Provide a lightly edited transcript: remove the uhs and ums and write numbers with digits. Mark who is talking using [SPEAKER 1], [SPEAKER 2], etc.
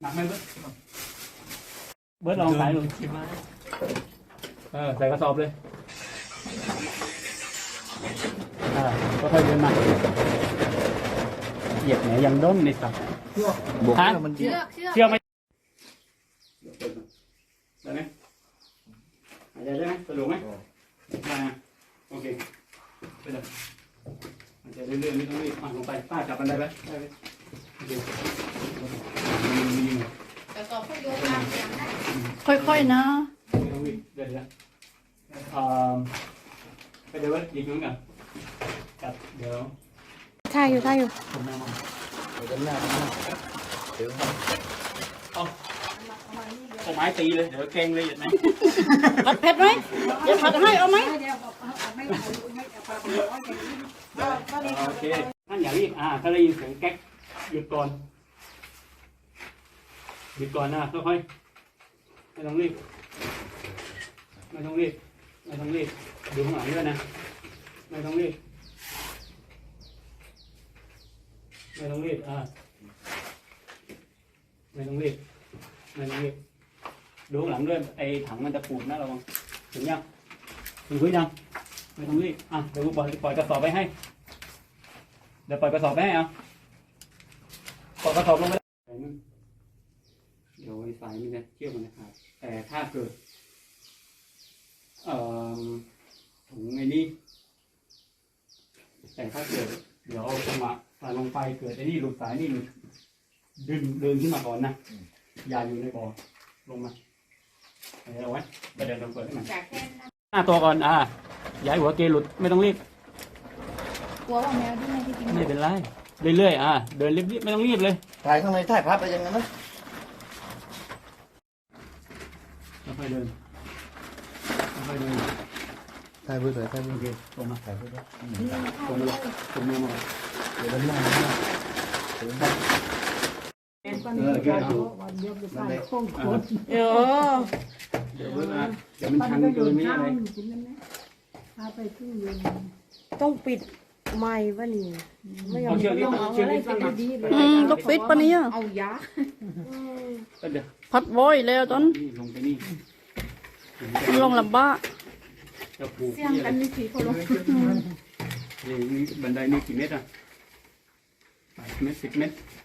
[SPEAKER 1] หนักไหมเบิร์ดลองใส่ดูใส่กระสอบเลยก็ค่อยเดินมาเหยียบไหนยังด้นในสัตว์บวกมันเชื่อไหมได้ไหมหายใจได้ไหมสะดวกไหมได้นะโอเคไปเลยหายใจเรื่อยๆไม่ต้องรีบลงไปป้าจับมันได้ไหมได้ไหมโอเค
[SPEAKER 2] แต่ต่อพวกโยกางอย่างนั้น
[SPEAKER 3] ค่อยๆนะ
[SPEAKER 1] ไม่ต้องรีบเดี๋ยวไปเดี๋ยวยิงนู้นกันจับเดี๋ยว
[SPEAKER 3] ท่าอยู่
[SPEAKER 1] ผมแม่มา
[SPEAKER 4] เดี๋ยวหน้าเดี๋ยว
[SPEAKER 1] เอาไม้ตีเลยเดี๋ยวเก่งเลยอย่างนี้
[SPEAKER 3] ผัดเผ็ดไหมจะผัดให้เอาไหม
[SPEAKER 1] โอเคท่านอย่ารีบถ้าได้ยินเสียงแก๊กหยุดก่อนนะค่อยๆไม่ต้องรีบดูข้างหลังด้วยนะไม่ต้องรีบไม่ต้องรีบดูข้างหลังด้วยไอ้ถังมันจะปูดนะระวังถึงยังถึงพื้นยังไม่ต้องรีบเดี๋ยวปล่อยกระสอบไปให้ปล่อยกระสอบลงไปเดี๋ยวไอ้สายมันจะเชื่อมมันนะครับแต่ถ้าเกิดถุงไอ้นี่แต่ถ้าเกิดเดี๋ยวเอาจังหวะใส่ลงไปเกิดไอ้นี่หลุดสายนี่หลุดเดินขึ้นมาก่อนนะอย่าอยู่ในบ่อลงมาเอาไว้ไปเดินลงเปิดให้มันตัวก่อนอย่าให้หัวเกหลุดไม่ต้องรีบ
[SPEAKER 3] กลัวว่าแมวที่ไม่ที่กิน
[SPEAKER 1] ไม่เป็นไรเรื่อยๆเดินรีบไม่ต้องรีบเลย
[SPEAKER 4] ถ่ายข้างในถ่ายภาพไปยังไงนะ
[SPEAKER 1] ค่อยเดิน
[SPEAKER 4] ถ่ายเพื่อถ่าย
[SPEAKER 1] โอเคตรงมาถ่ายเพื่อตรงมือมา
[SPEAKER 4] เดี๋ยวหน้า
[SPEAKER 1] เดี๋ยวมันชันเกินนี่อะไร
[SPEAKER 3] ต้องปิดไม้วะนี่ไม่ยอม
[SPEAKER 1] ต้อง
[SPEAKER 3] ปิดปะเนี่ย
[SPEAKER 2] เอายา
[SPEAKER 3] พัดโวยแล้วตอน
[SPEAKER 1] ลงไปนี่
[SPEAKER 3] ลงลำบ้า
[SPEAKER 2] เสี่ยงกันนี่สิเขาลง
[SPEAKER 1] นี่บันไดนี่กี่เมตร8 เมตร10 เมตร